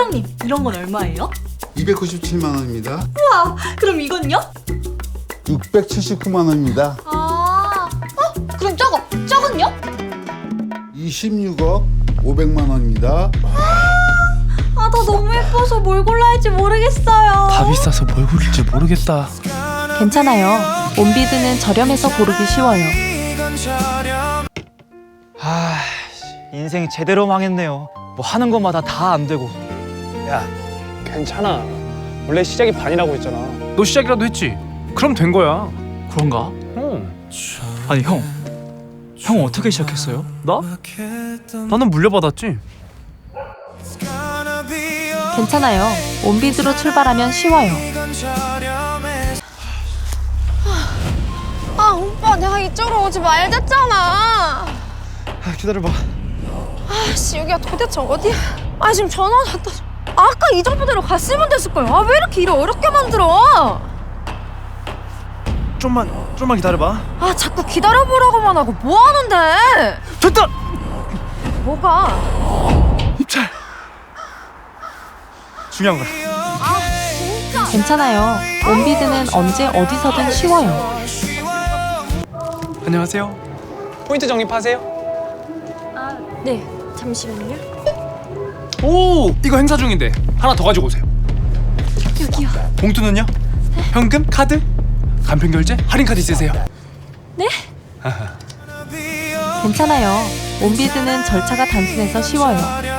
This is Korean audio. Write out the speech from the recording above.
사장님, 이런 건 얼마예요? 297만 원입니다. 우와, 그럼 이건요? 679만 원입니다. 그럼 저건요? 26억 500만 원입니다. 나 너무 예뻐서 뭘 골라야 할지 모르겠어요. 다 비싸서 뭘 고를지 모르겠다. 괜찮아요. 온비드는 저렴해서 고르기 쉬워요. 인생이 제대로 망했네요. 뭐 하는 것마다 다 안 되고. 야, 괜찮아. 원래 시작이 반이라고 했잖아. 너 시작이라도 했지? 그럼 된 거야. 그런가? 아니 형 어떻게 시작했어요? 나? 나는 물려받았지. 괜찮아요. 온비드로 출발하면 쉬워요. 오빠 내가 이쪽으로 오지 말랬잖아. 기다려봐. 아씨 여기가 도대체 어디야? 지금 전화 왔다. 아까 이 정도대로 갔으면 됐을걸. 왜 이렇게 일을 어렵게 만들어? 좀만 기다려봐. 자꾸 기다려보라고만 하고 뭐 하는데? 됐다. 뭐가? 입찰. 중요한 거야. 진짜? 괜찮아요. 온비드는 언제 어디서든 쉬워요. 안녕하세요. 포인트 적립하세요. 네 잠시만요. 오, 이거 행사 중인데 하나 더 가지고 오세요. 여기요. 봉투는요? 현금? 카드? 간편 결제? 할인 카드 있으세요? 네? 괜찮아요. 온비드는 절차가 단순해서 쉬워요.